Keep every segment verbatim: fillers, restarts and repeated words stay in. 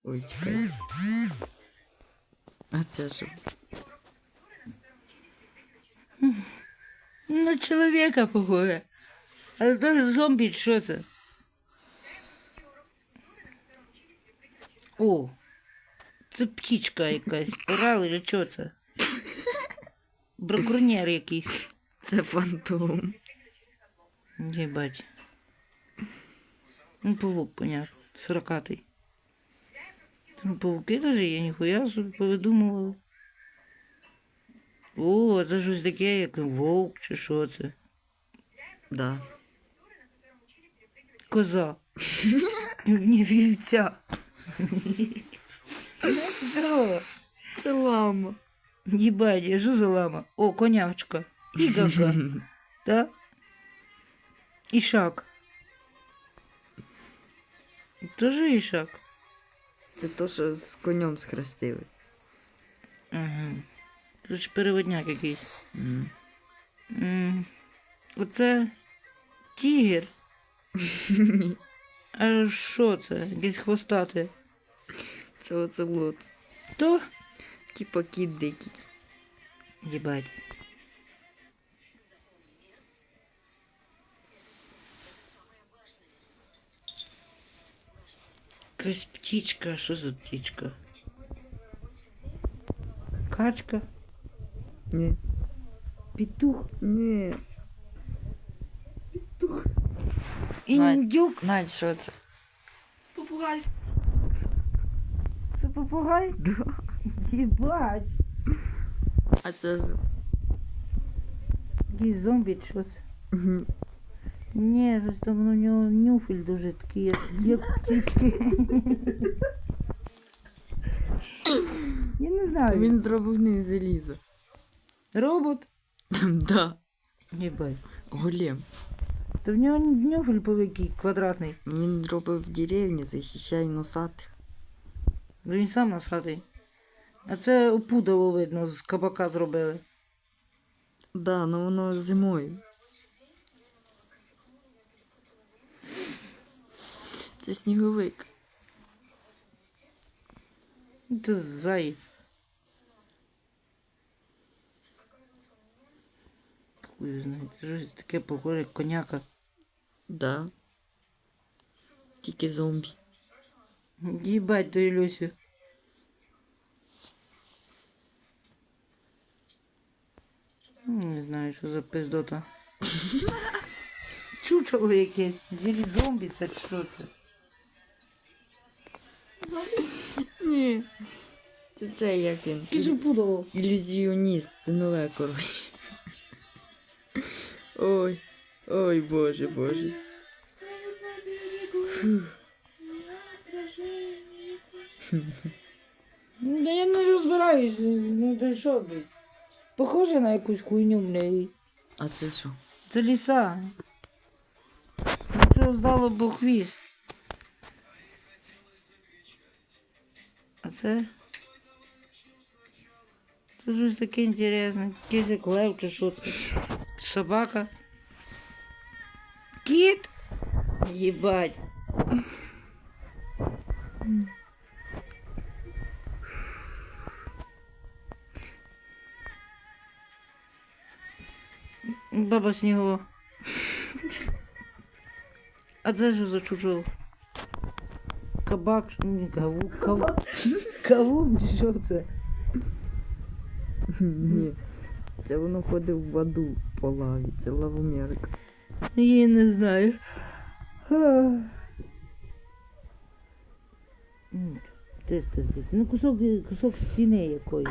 Ой, чекай. А це що? На чоловіка похоже. Але теж зомбі, чи що це? О, це птічка якась. Орал, чи що це? Браконьєр якийсь. Це фантом. Єбать. Ну, павук, понятно. Сорокатий. Там павуки даже є, ніхуя собі повидумували. О, це щось таке, як вовк, чи що це? Да. Коза. Ні, вівця. Що? Це лама. Єбать, я жу за лама. О, конячка. І гага. Так? Ішак. Тоже ішак. Це то, що з конем схрестили. Ага. Тут ж переводняк якийсь. М. М. Оце тігр. А що це? Якесь хвостате. Це оцелот. То? Типа кіт дикий. Єбать. Якась птічка. Що за птічка? Качка? Ні. Петух? Ні. Індюк? Надь, що це? Попугай. Це попугай? Да. Єбать. А це ж. Якийсь зомбі, чи що це? Мгм. Ні, щось там у нього нюфель дуже такий, як, як птічки. Я не знаю. Він зроблений з заліза. Робот? Да. Єбать. Голем. То в нього нюфель великий, квадратний. Він робив в деревні, захищає носатих. Ну він сам насадий. А це опудало видно, з кабака зробили. Да, ну воно зимою. Це сніговик. Це заєць. Хуй знає, це щось таке похоже, як коняка. Да. Тільки зомбі. Їбать ту Ілюсю. Не знаю, що за пиздота. Чучело якесь. Ділі зомбі, це що це? Ні. Це це як він. Якесь опудало. Ілюзіоніст, це нове, коротше. Ой, ой, боже, боже. Да я не розбираюсь, ну ти що, блядь? Похоже на якусь хуйню, блядь. А це що? Це ліса. Що здало б хвіст. А це? Це щось таке інтересне. Якийсь як лев чи що це? Собака. Кіт? Єбать. Баба Снігова. А це що за чужого? Кабак, ні, кавук, кавук. Кавук, чи що це? Ні. Це воно ходить в воду по лаві. Це лавомірка. Я не знаю. Ти спиздить. Ну кусок, кусок стіни якоїсь.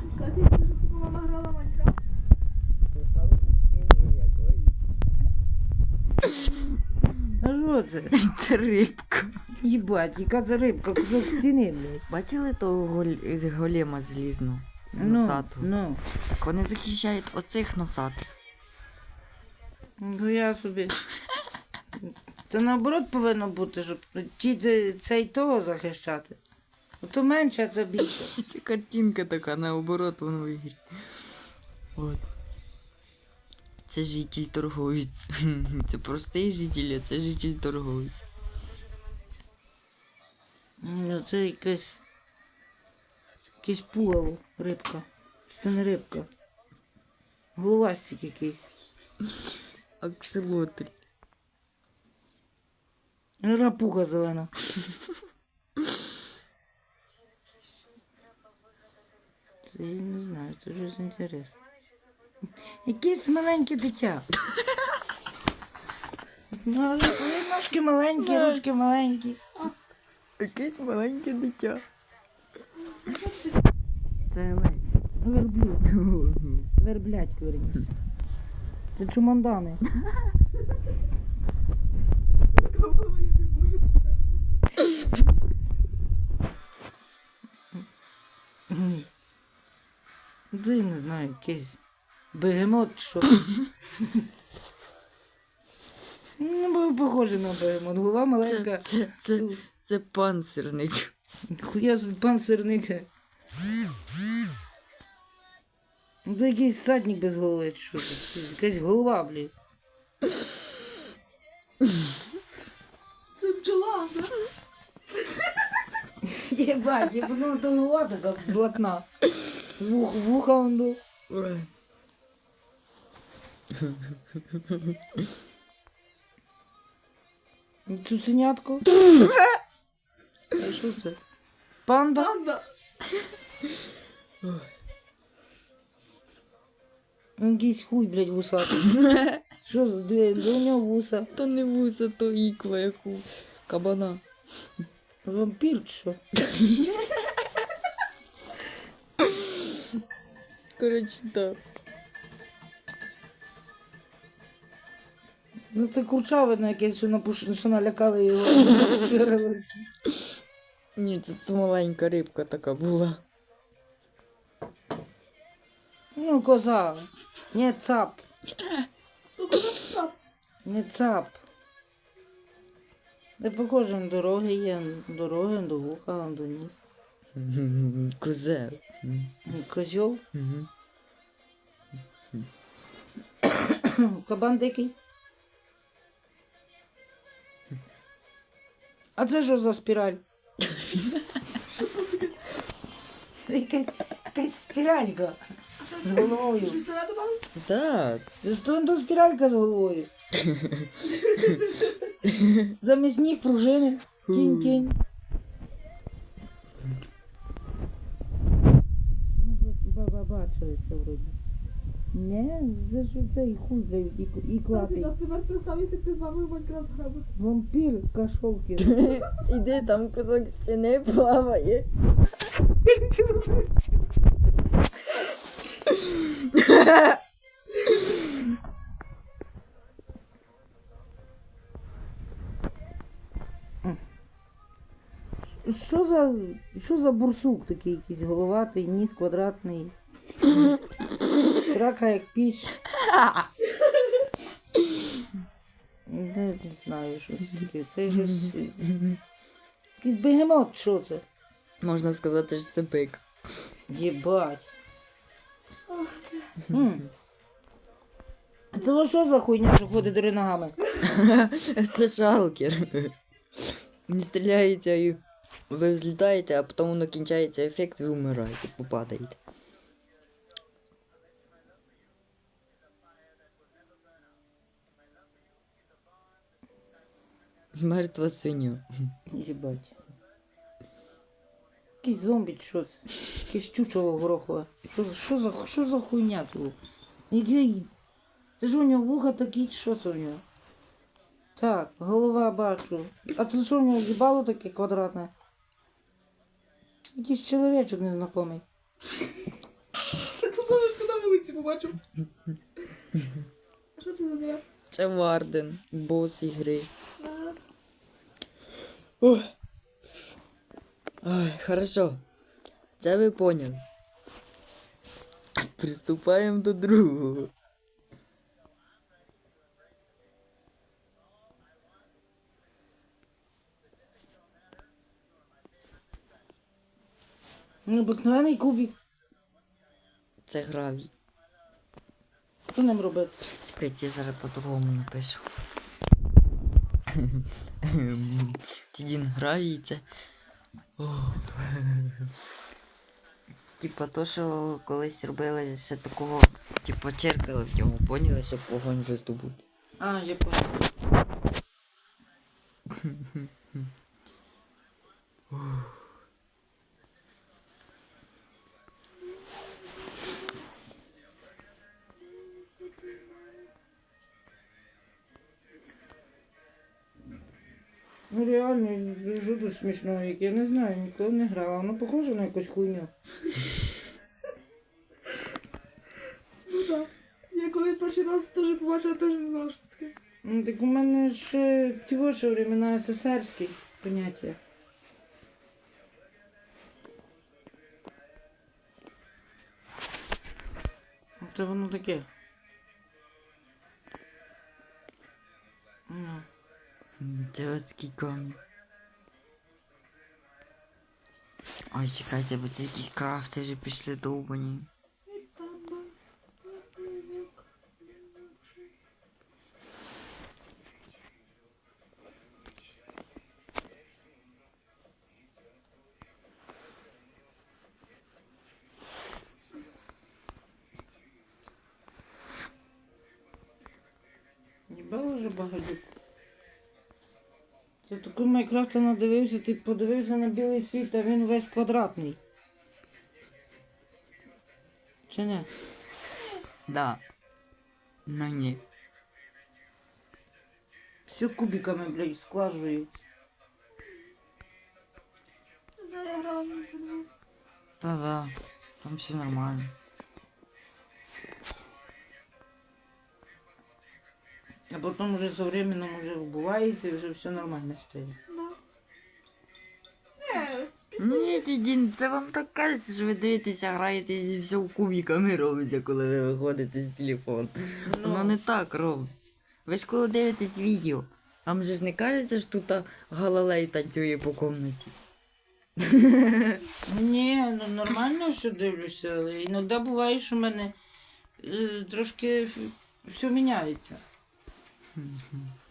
А що це? Це рибка. Їбать, яка це рибка, кусок стіни, блядь. Бачили того голь... з голема злізну? Ну, Носатого? ну. Так вони захищають оцих носатих. Ну я собі. Це наоборот повинно бути, щоб ті де- цей того захищати. Ото менше, а це більше. Це картинка така, наоборот, воно в ігрі. От. Це житель торговець. Це простий житель, а це житель торговець. Ну, це якась. Якесь пугало, рибка. Чи це не рибка? Головастик якийсь. Акселотрі. Рапуха зелена. Це я не знаю, це щось інтересне. Якесь маленьке дитя. Ну, але ножки маленькі, ручки маленькі. Якесь маленьке дитя. Це ледь. Верблюд. Верблядько, верніше. Це чумандани. Це я не знаю, якийсь бегемот, що. Ну, бо похоже на бегемот. Голова Це, маленька. це, це, це панцирник. Хуя собі панцирник. Ну, це якийсь садник без голови, чи що це? Якась голова, блін. Це бджола, да? Єбать, я подумав, то голова така блатна. Вух, вуха он до. Ой. Цуценятко. А що це? Панда? Панда. Якийсь хуй, блядь, вусатий. Що за дві? Де у нього вуса? То не вуса, то ікла, як у кабана. Вампір чи що? Коротше, так. Ну це курчавина якесь, що, напуш... що налякали його. Ширилося. Ні, це, це маленька рибка така була. Ну, коза. Не цап. Ну, куди цап? Не цап. Де похоже на дороги є. Дороги, до вуха, до ніс. Козел. Козьол. Мгм. Кабан дикий. А це що за спіраль? Це якась, якась спіралька з головою. Щось туди добавив? Так. Це що то спіралька з головою? Замість ніг пружини. Тінь-тінь. Ми б- бачили це вроді. Не, це ж цей хуй, блядь, і, і клатий. Наприклад, представ, якщо ти з мамою в Майнкрафт грав. Вампір кашовки. Іди, там кусок стіни плаває. Що за, що за бурсук такий якийсь головатий, ніс квадратний. Срака як піч. Не, не знаю, що це таке. Це щось... Якийсь бегемот, що це? Можна сказати, що це бик. Єбать. М. А це що за хуйня, що ходить три ногами? Це шалкер. Він стріляється і ви взлітаєте, а потім воно кінчається ефект, ви вмираєте, попадаєте. Мертва свиня. Єбать. Якийсь зомбі, чи що це? Якесь чучело горохове. Що, за- що, за, що за хуйня це? Який? Це ж у нього вуха такі, чи що це у нього? Так, голова бачу. А це що у нього їбало таке квадратне? Якийсь чоловічок незнайомий. Це саме ти на вулиці побачив. А що це за дня? Це Варден, бос ігри. Ага. Ой. Ой, хорошо. Це ви поняли. Приступаємо до другого. Необикновений кубик. Це гравій. Що ним робити? Чекайте, я зараз по-другому напишу. Тідін гравій це Типа то, що колись робили ще такого, типа черкали в ньому, поняли, щоб вогонь роздобути. А, я понял. Ну реально, дуже дуже смішно, як я не знаю, ніколи не грала. Воно похоже на якусь хуйню. Ну так. Я коли перший раз теж побачила, теж не знала, що це таке. Ну так у мене ще ті ваші времена СССРські поняття. Це воно таке. Ну. Це ось такий камінь. Ой, чекайте, бо це якісь крафти вже пішли довбані. Їбало вже багатюк. Це такий Майнкрафт надивився, ти подивився на білий світ, а він весь квадратний. Чи не? Да. Ну ні. Все кубиками, блядь, склажується. Не знаю, я грала в інтернет. Та-да. Там все нормально. А потім вже со временем вже вбувається і вже все нормально стає. Да. Не, Ні, Дідін, це вам так кажеться, що ви дивитеся, граєтесь і все кубиками робиться, коли ви виходите з телефону. Воно не так робиться. Ви ж коли дивитесь відео, вам же ж не кажеться, що тут Галилей танцює по комнаті. Ні, ну нормально все дивлюся, але іноді буває, що в мене е, трошки все міняється.